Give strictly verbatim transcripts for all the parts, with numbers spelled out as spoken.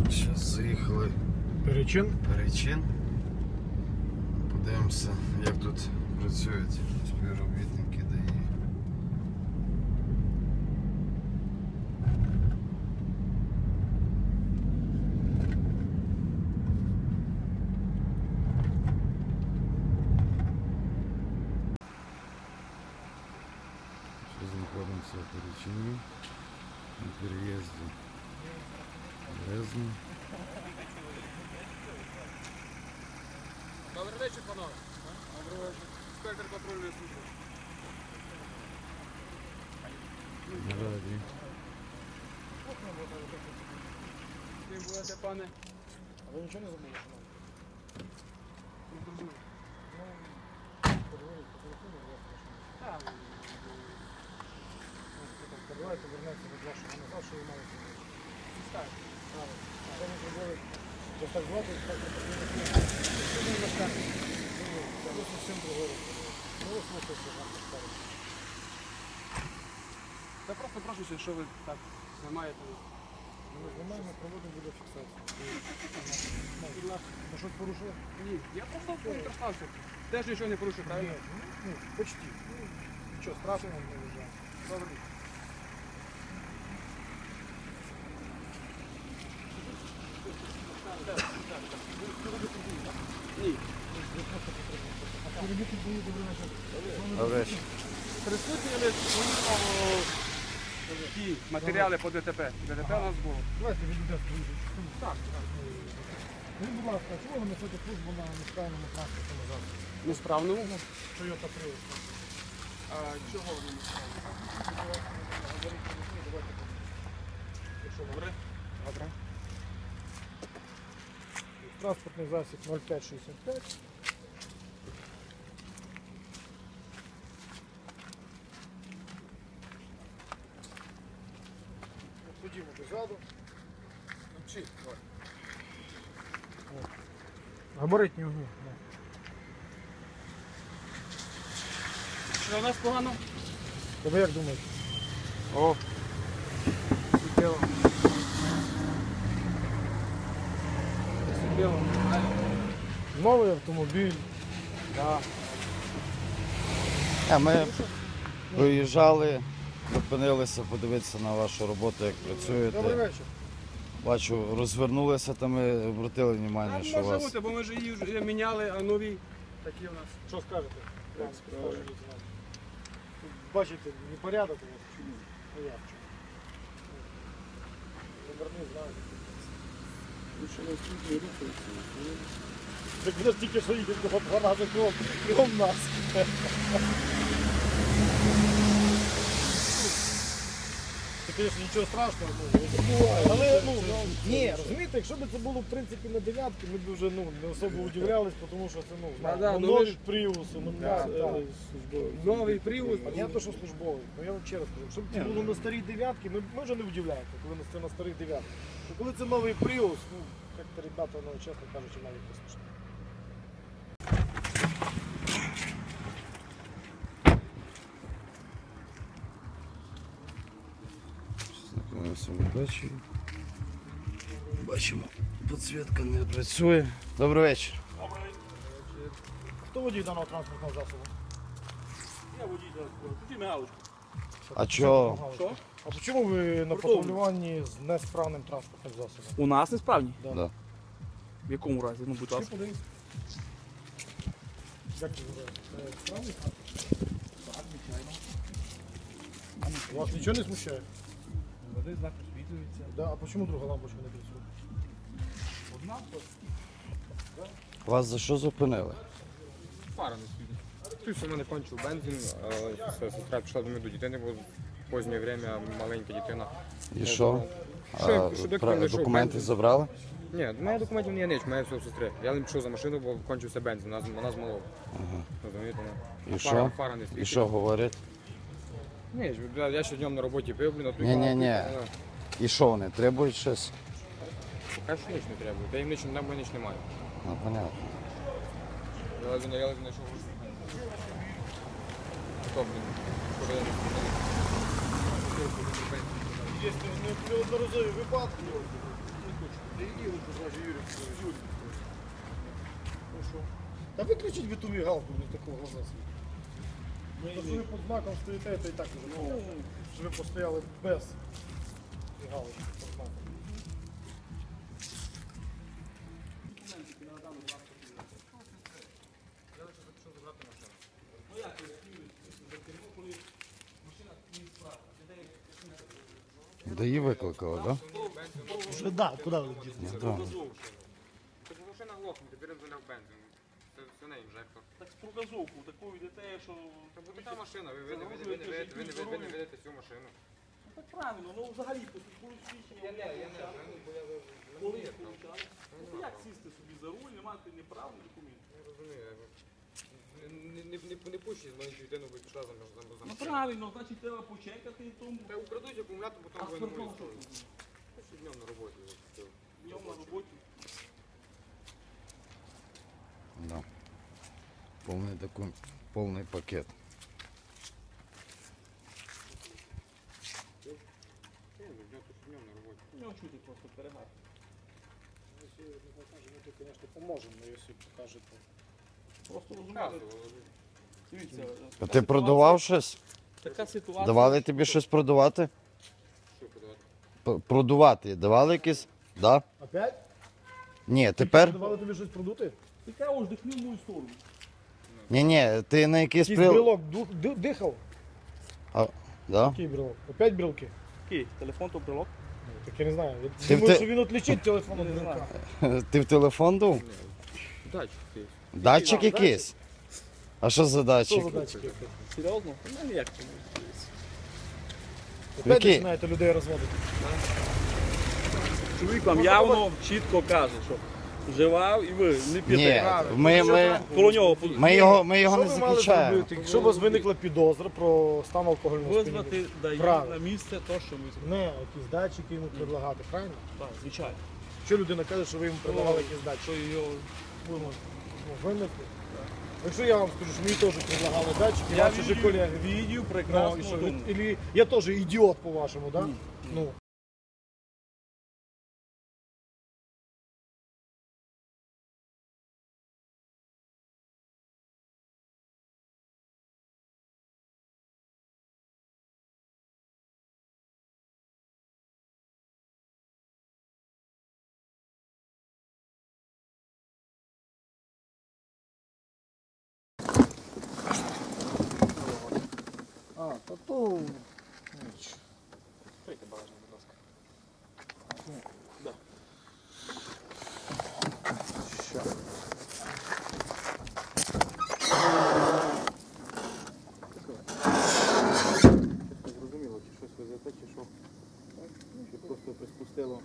Зараз заїхали Перечин. Перечин. Подивимося, як тут працюють співробітники ДАІ. Зараз знаходимося в Перечині на переїзді Березне. Добрий вечір, панове. Добрий вечір. Інспектор патрульної служби. На раді. Ким будете, пане? А ви нічого не забули, шановні? Не зрозумів. Ну, переговоріть по телефону, я прошу. Так. Давайте вернеться від вашого назад, що ви маєте зробити. Так. Правильно. Що ми зробили? Ось так звати, так не потрібно. Що ви на скарбі? Це ось усім другою. Ну, ви слухайте, вам скажуть. Та просто прошу, що ви так знімаєте. Ми знімаємо, проводимо відеофіксацію. Будь ласка, ви щось порушили? Ні, я просто поінтереснувся. Теж нічого не порушив, правильно? Ні, ну, почти. Нічого страшного не вважаю. Добре. Ні. Добре. Присутні ли ті матеріали по ДТП? ДТП у нас було. Давайте відійдемо службу. Так. Скажіть, будь ласка, а чого ви несете службу на несправному транспортному засобі? Несправному? Toyota Prius. А чого ви не справді? Добре? Добре. Транспортний засіб нуль п'ять шістдесят п'ять. Ходімо дозаду. Чи? Габаритні огні. Що у нас погано? То ви як думаєте? О, суттєво. Суттєво. Новий автомобіль. Так. А ми виїжджали, зупинилися подивитися на вашу роботу, як Добрий працюєте. вечір. Бачу, розвернулися, там ми обратили А увагу, що у може вас. бути, бо ми ж її вже міняли, а нові такі у нас. Що скажете? Як Пан справи? старший лейтенант? Тут, бачите, непорядок у вас. Чому? Ну як чому? Номерний знак. Так ви ж тільки що їдете по два рази кром, кром нас. Це, звісно, нічого страшного, ну, але, ну, ні, розумієте, якщо б це було, в принципі, на дев'ятки, ми б вже, ну, не особо удивлялись, тому що це, ну, Да-да, ну, ну, нові ви ж- пріуси, ну, Да, так, да. так, службові. Новий привоз. Понятно, що службовий. Ну я вам ще раз кажу, якщо б це було на старій дев'ятки, ми, ми вже не удивляємося, коли на- це на старих дев'ятках. То коли це новий Prius, ну, як-то ребята, ну, чесно кажучи, навіть не смішно. Знаходимося в дачі. Бачимо, підсвітка не працює. Добрий вечір. Хто водій даного транспортного засобу? Я водій транспорту. Тоді мигалочку. А чого? Що? А чому ви на патрулюванні з несправним транспортним засобом? У нас несправні? Да. Да. В якому разі? Ну, будь Чи ласка. подивіться? Як це називається? Це справний транспорт? Так, звичайно. Вас нічого не смущає? Води знак освітлюється. Да, а чому друга лампочка не працює? Одна Вас за що зупинили? Фара не світить. Хтось у мене кончив бензин, а сестра пішла до мене до дитини, бо позднє время маленька дитина. І що? Що, А, щоб як пра- він знайшов документи бензин? забрали? Ні, до мене документів не є ніч, мене все в сестри. Я не пішов за машину, бо кончився бензин, вона, з- вона змолола. Ага. Розумієте? І Фара, що? фара не І світить. що говорять? Ні, ж, бля, я ще днем на роботі пив, блін, а тут... Ні-ні-ні. І що вони? Требують щось? Поки що ніч не треба. Та їм ніч, нам ніч немає. Ну, понятно. Я ледве я ледве знайшов. Хто, блін? Куди я не спитав? Є неодноразові випадки. Може Юрій. Юрій. Ну що? Та виключіть ви ту мігалку, не такого глаза світить. То, що ви під знаком стоїте, то і так уже понятно. Що ви постояли без мігалки під знаком. Де її викликали, так? Вже да, куди ви діти? Да? Да. Тобто машина глохне, тепер він заляв бензин. Це, це не інжектор. Так з прогазовку, таку йдете, що... Це буде та машина, ви, ви, не- ви, не- ви, не- ви, не- ви, не- ви, не- ви не ведете цю машину. Ну так правильно, ну взагалі, коли свідчення... Я не, я не, бо я ви- Коли ви- їх получали? Ну як сісти собі за руль, не мати ні прав, ні документів? Не розумію, я ви- не, не, не, не пущіть з маленькою дитиною, ви пішла за мною за Ну мною. правильно, значить треба почекати і тому. Та украдуть акумулятор, А потім ви не смартфон можете. що тут? Що днем на роботі. от, все. Днем на роботі. Да. Повний такий, повний пакет. Ні, ну, днем, то що днем на роботі. У нього чути просто перегар. Якщо не покаже, ми тут, звісно, поможемо, але якщо покажете. Просто розумієте, Показували. дивіться. А ти продавав щось? Така ситуація. Давали тобі щось продавати? Що подавати? П- Продувати давали якісь? Да? Опять? Ні, тепер? Давали тобі щось продути? Ти кажеш, дихни в мою сторону. Ні, ні, ти на якийсь Якийсь прил... брелок ду- ди- дихав? Да? Який брелок? Опять брелки? Який? Телефон то брелок? Ну, так я не знаю. Я Ти в думаю, те- що він відлічить телефон від Не брелка. знаю. Ти в телефон дув? Дачі ти. Датчик якийсь? А що за Що датчик? за датчики? Серйозно? Ну як це? Опять Який? починаєте людей розводити. Чоловік вам явно чітко каже, що вживав і ви не Ні, п'єте. ми, ми, Коло нього ми його, ми його Що не ви мали захищаємо. зробити, якщо у вас виникла підозра про стан алкогольного сп'яніння? визвати дає Правильно. на місце то, що ми Не, якісь датчики йому предлагати, правильно? так, звичайно. Що людина каже, що ви йому предлагали якісь датчики? Що його Ви можете ну, винесли. Якщо я вам скажу, що мені теж предлагали датчики, я ваші же відео, колеги. відео Ну, і прекрасно що, ви- тому. Ілі я теж ідіот, по-вашому, так? Да? Ні, ні. Ну, а, то то... ніч. Відкрийте багажник, будь ласка. Ща. Зрозуміло, чи щось везете, чи що? Чи просто приспустило?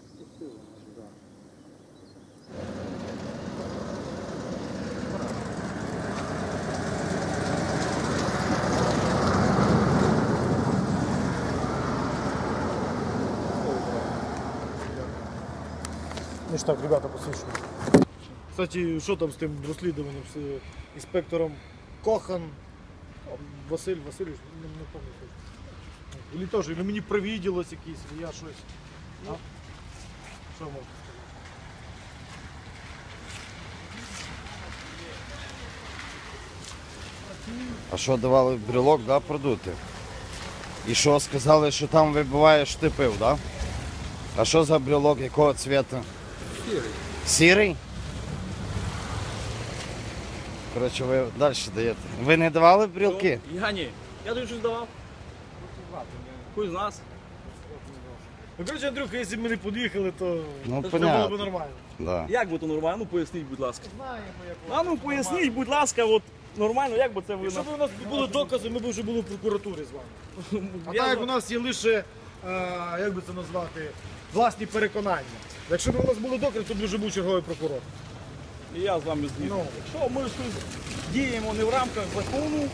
Ну ж так, ребята, посвідчую. Кстати, що там з тим розслідуванням з е, інспектором Кохан? О, Василь Васильович, не, не пам'ятаю. Или теж, или мені привіділось якийсь, или я щось. А? Що можна сказати? А що давали брелок, да, продути? І що, сказали, що там вибиваєш, ти пив, да? А що за брелок, якого цвіту? Сірий. Сірий? Коротше, ви далі даєте. Ви не давали брелки? Я ні. Я тобі щось давав. Хтось з нас. Ну, коротше, Андрюха, якщо б ми не під'їхали, то Ну, це було б понятно. нормально. Да. Як би то нормально? Ну поясніть, будь ласка. Знаємо, як А ну поясніть, будь ласка, от нормально, як би це ви... Якщо б у нас були докази, ми б вже були в прокуратурі з вами. А Я так як за- у нас є лише, е, як би це назвати, власні переконання. Якщо б у нас були докази, то б вже був черговий прокурор. І я з вами згідний. Ну. Якщо ми щось діємо не в рамках закону,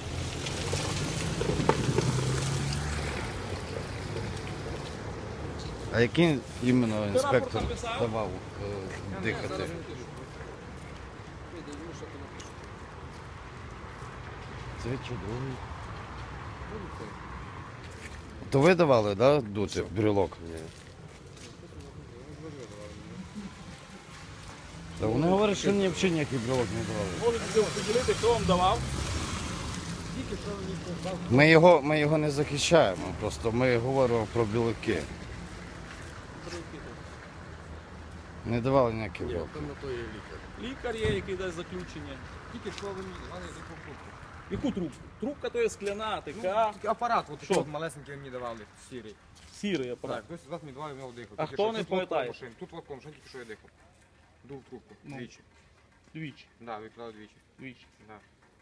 А який іменно інспектор написав? давав е, дихати? Це чудовий. То ви давали, да, дути брелок? Та вони говорять, що ні, взагалі ніякий брелок не давали. Можете поділити, хто вам давав? Ми його, ми його не захищаємо, просто ми говоримо про білки. Не давали ніякий брелок. Лікар є, який дасть заключення. Тільки що ви мені давали яку трубку? Яку трубку? Трубка то є скляна, така, Тільки апарат, от Що? такий от малесенький мені давали, сірий. сірий апарат. Так, хтось з вас мені давав, і я дихав. А Тільки хто що не тут пам'ятає? лотком машин, Тут лотком машин, тільки що я дихав. Дув трубку, Ну. двічі. Двічі. Да, виклав двічі. Двічі. Да.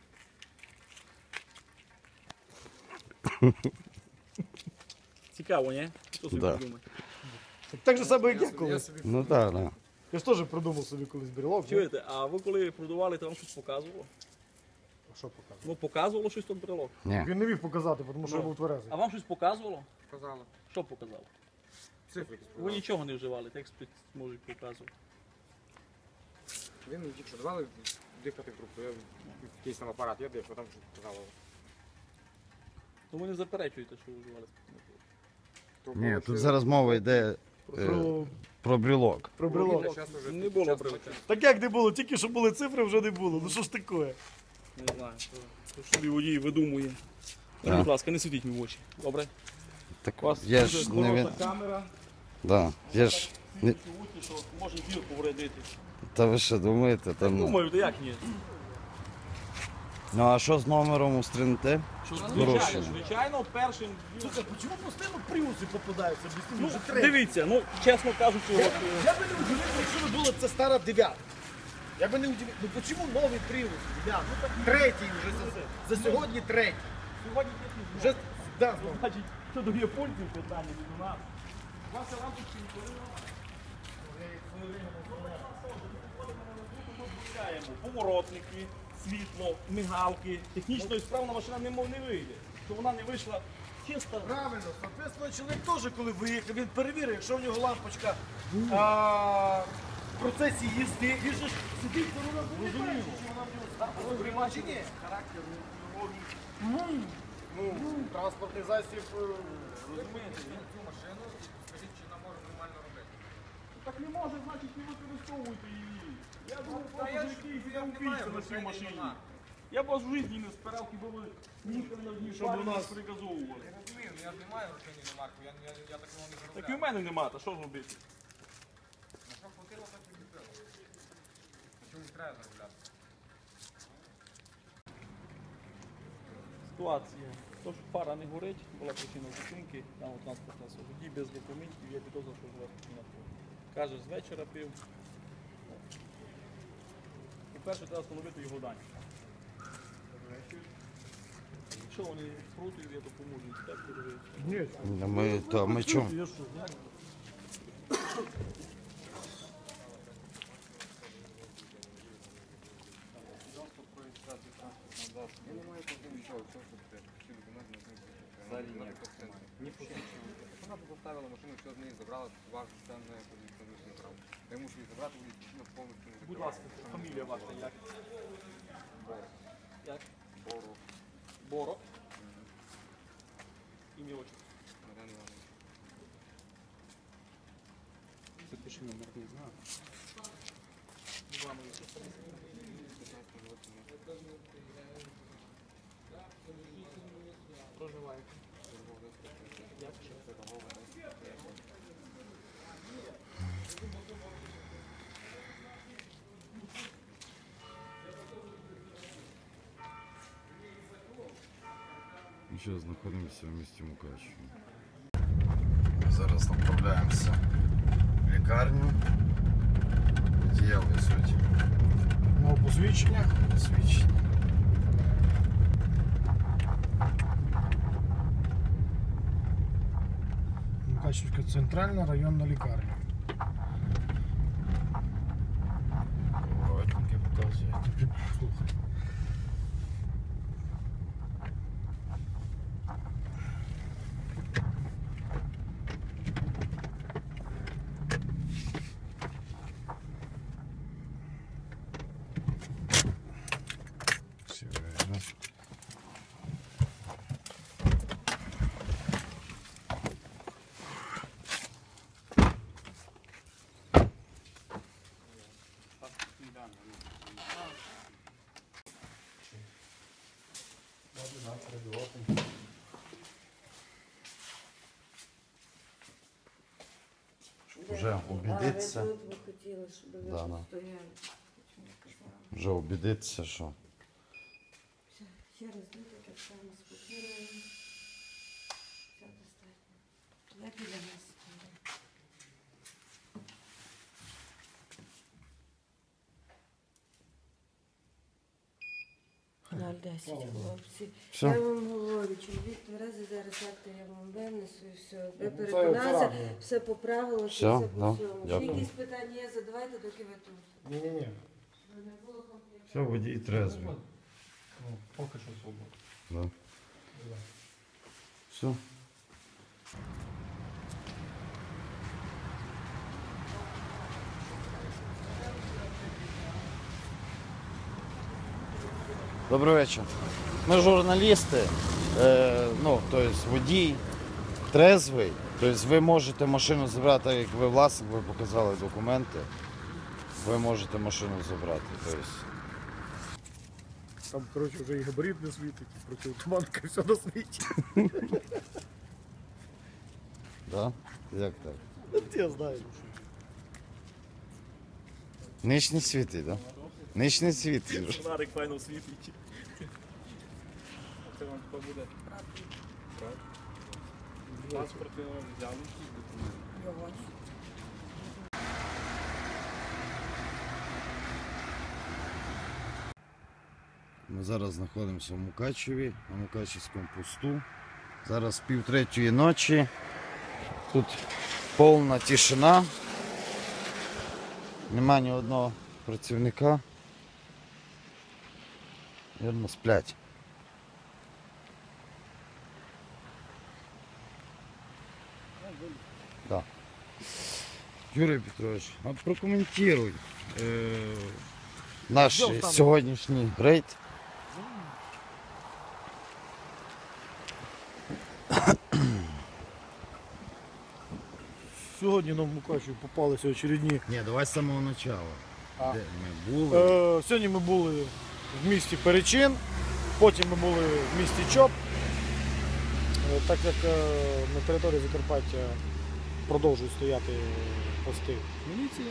Цікаво, ні? Хто собі Да. придумає? Так же саме, як я собі- колись. собі- Ну так, так. Я ж теж придумав собі колись брелок. ну. Чуєте, а ви коли продавали, то вам щось показувало? А що показав? Ну, показувало щось тут брелок. Ні. Він не міг показати, тому що Ну. я був тверезий. А вам щось показувало? Сказала. Що показало? Цифри якісь Ви показали. нічого не вживали, текст можуть показувати. Він мені тільки що давали дихати в трубку. Я якийсь там апарат, я дихав, там щось казало. То ви не заперечуєте, що ви вживали. То Ні, було, тут що- зараз мова йде е, Про, про брелок. про Ну, брелок. щас уже- Не було щас брелока. уже- Так як не було, тільки що були цифри, вже не було. Ну що ж таке? Не знаю. То ж собі водій видумує. Ну, Так. будь ласка, не світіть мені в очі. Добре? Так У вас я дуже ж не він. хороша камера. Да. Я ж не... Світіть в очі, що може зір повредити. Та ви що думаєте? Там... Думаю, то як ні? Ну а що з номером у стрінте? Що, Порушення. звичайно, звичайно, першим. Слухай, чому постійно пріуси попадаються? Об'ясни, Ну, вже третій. дивіться, ну, чесно кажучи, от, е, Я би не удивився, якщо би була це стара дев'ятка. Я би не удивився. Ну чому новий пріус? Дев'ятка? Ну, так третій вже за, за сьогодні третій. сьогодні є Вже да, знову. значить, що до японців питання від у нас. Ваша лампочка ніколи не поворотники, світло, мигалки. Технічно справна машина не мов не вийде. Що вона не вийшла чисто. Правильно, соответственно, чоловік теж, коли виїхав, він перевірив, якщо в нього лампочка а, в процесі їзди, він же ж сидить за рулем, він не бачить, що вона в нього стала. Прийма чи ні? Ну, транспортний засіб. е, Розумієте, він Цю машину, скажіть, чи вона може нормально робити. так не може, значить, не використовуйте її. Я думаю, Та я просто ж- якийсь я я не убійця маю на грошей, цій машині. нема. Я б вас в житті не спирав, хіба ви їхали на одній Щоб парі у нас- нас приказовували. Я розумію, ну я ж не маю грошей ні на марку, я, я, я такого не заробляю. Так і в мене нема, та що робити? На що хватило, так і купило. На чому не треба заробляти? Ситуація. То, що пара не горить, була причина зупинки, там у транспортна водій без документів, я підозрюю, що живе причина. Каже, з вечора пив. По-перше, треба встановити його дані. Якщо вони проти, я допоможу інспектору. Ні, Ну, Ми, то, ми чому? я що, знаю. Я не маю проти нічого, все, що ти. Всі документи на знизу. Взагалі ніякого сенсу. Ні посвідчення. Якщо вона поставила машину, все з неї забрала, ваш стан не позиційний право. Я мушу її забрати, буде причина повністю не Будь ласка, фамілія ваша як? Як? Бору. Боро. Ім'я отчество. Мар'ян Іванович. Запиши номер, не знаю. Іванович. п'ятнадцятого року. Проживаєте. Як ще? Ми зараз знаходимося в місті Мукачево. Ми зараз направляємося в лікарню. Водія везуть Ну, посвідчення. посвідчення. Мукачівська центральна районна лікарня. Поворотники показують. Слухай. Всі видно. Вже убедиться, А ви тут ви хотіли, щоб ви Да, тут да. стояли. Чому казали? вже убедиться, що Все, ще раз дайте, так само спокійно. Все достатньо. Я біля нас стою. Ноль десять, хлопці. Все. Я вам говорю, чоловік тверезий, зараз акти я вам винесу і все. Ви Ну, це переконалися, правильно. все поправилося, Все, все да, по всьому. Ще дякую. якісь питання є, задавайте, доки ви тут. Ні-ні-ні. Щоб не було конфлікту. все, водій трезвий. Ну, поки що свободно. Да. Все. Добрий вечір. Ми журналісти, е, ну, тобто водій трезвий. Тобто ви можете машину забрати, як ви власник, ви показали документи. Ви можете машину забрати. Тобто, Там, коротше, вже і габарит не світить, і протитуманка, все на світі. да? Як так? От я знаю. Ніч не світить, так? Да? Ніч не світить. Фонарик файно світить. Це вам тепер буде паспорт ви взяли. Його. Ми зараз знаходимося в Мукачеві, на Мукачевському посту. Зараз пів третьої ночі. Тут повна тишина. Нема ні одного працівника. Вірно, сплять. Да. Юрій Петрович, а прокоментуй е, наш Що там? сьогоднішній рейд. Сьогодні нам в Мукачеві попалися очередні. Ні, давай з самого початку. А. Де ми були? Е, сьогодні ми були в місті Перечин, потім ми були в місті Чоп. Е, так як е, на території Закарпаття продовжують стояти пости міліції,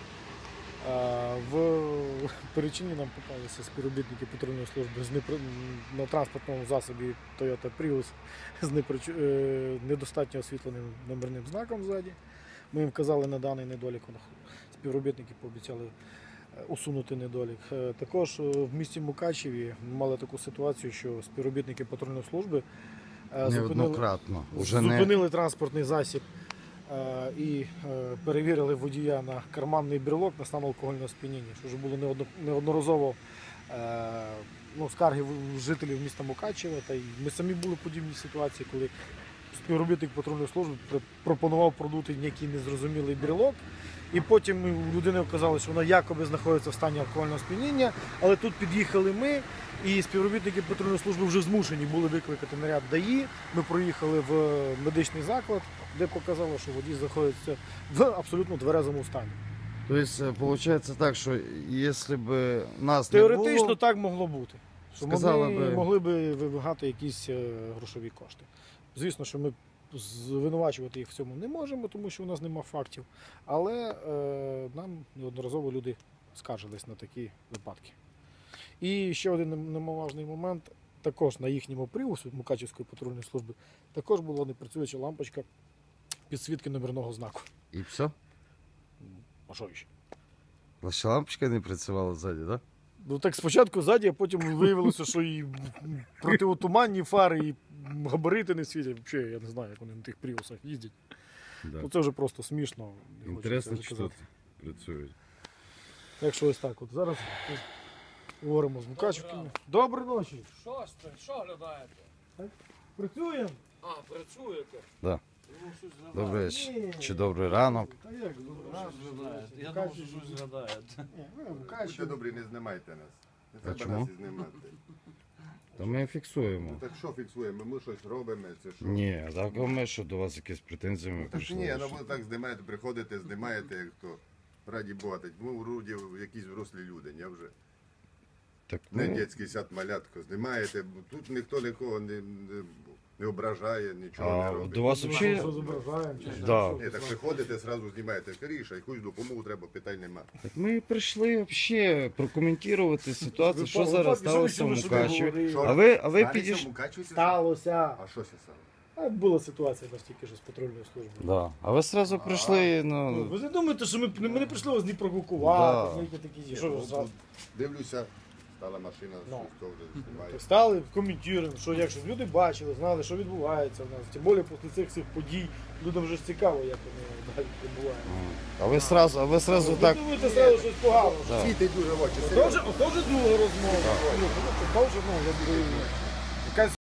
е, в Перечині нам попалися співробітники патрульної служби з непри... на транспортному засобі Toyota Prius з неприч... е, недостатньо освітленим номерним знаком ззаді. Ми їм вказали на даний недолік, співробітники пообіцяли усунути недолік. Е, Також е, в місті Мукачеві ми мали таку ситуацію, що співробітники патрульної служби е, зупинили, Неоднократно. Уже не... зупинили транспортний засіб е, і е, перевірили водія на карманний брелок на стан алкогольного сп'яніння, що вже було неодно- неодноразово е, ну, скарги в- жителів міста Мукачева. Та й ми самі були в подібній ситуації, коли співробітник патрульної служби пр- пропонував продути який незрозумілий брелок. І потім ми- у людини оказалось, що вона якоби знаходиться в стані алкогольного сп'яніння, але тут під'їхали ми, і співробітники патрульної служби вже змушені були викликати наряд ДАІ. Ми проїхали в медичний заклад, де показало, що водій знаходиться в абсолютно тверезому стані. Тобто, виходить так, що якщо б нас не Теоретично було, так могло бути. Що Сказали ми би- могли б вимагати якісь е, грошові кошти. Звісно, що ми звинувачувати їх в цьому не можемо, тому що у нас нема фактів. Але е, нам неодноразово люди скаржились на такі випадки. І ще один нем- немаловажний момент. Також на їхньому привозі Мукачівської патрульної служби також була непрацююча лампочка підсвітки номерного знаку. і все. А що ще? Ваша лампочка не працювала ззаді, так? Да? Ну так спочатку ззаді, а потім виявилося, що і протиотуманні фари, і габарити не світять. Взагалі, я не знаю, як вони на тих пріусах їздять. Да. Ну це вже просто смішно. не хочу Інтересно, це що казати. працюють. Так що ось так. От зараз ми говоримо з Мукачівками. Доброї ночі. Що ж це? Що глядаєте? Працюємо? А, працюєте? Да. Ну, щось Добрий глядаєте. вечір. Чи добрий ранок. Та як добре? Щось глядаєте. Я думав, що щось глядаєте. Ні, ми в Будьте Мукачеві. добрі, не знімайте нас. Не А треба чому? нас і знімати. То ми фіксуємо. Ну так що фіксуємо? Ми щось робимо, це що? Ні, так а ми що до вас якісь претензії ми Так прийшли. ні, ну що? ви так знімаєте, приходите, знімаєте, як то. Раді Бога, так ми вроді якісь врослі люди, не вже. Так Не ми, дитячий сад малятко знімаєте, бо тут ніхто нікого не, не, не ображає, нічого а, не робить. до вас Що взагалі... зображаємо? чи що? Да. Що? Ні, так приходите, одразу знімаєте скоріше, якусь допомогу треба, питань нема. Так ми прийшли взагалі прокоментувати ситуацію, Ви що по- зараз ви що ви сталося в сюди Мукачеві. говорили? А ви, а ви Станеться в підійшли... Мукачеві це Сталося. А що це стало? А була ситуація у нас тільки що з патрульною службою. Да. А ви одразу прийшли, Ну, ну... ви не думаєте, що ми, ми не прийшли вас ні провокувати, Да. ні такі, Ні, що ну, ви тут зразу. Дивлюся, стала машина, Ну. щось то вже знімає. Так стали, коментуємо, що якщо люди бачили, знали, що відбувається в нас. Тим більше після цих всіх подій людям вже ж цікаво, як вони далі відбуваються. А ви сразу, а ви сразу Ви так... думаєте, зразу щось погано. Да. Світить дуже в очі, Ото серйозно. вже, ото вже друга розмова. Ну, ото вже, ну, якби, якась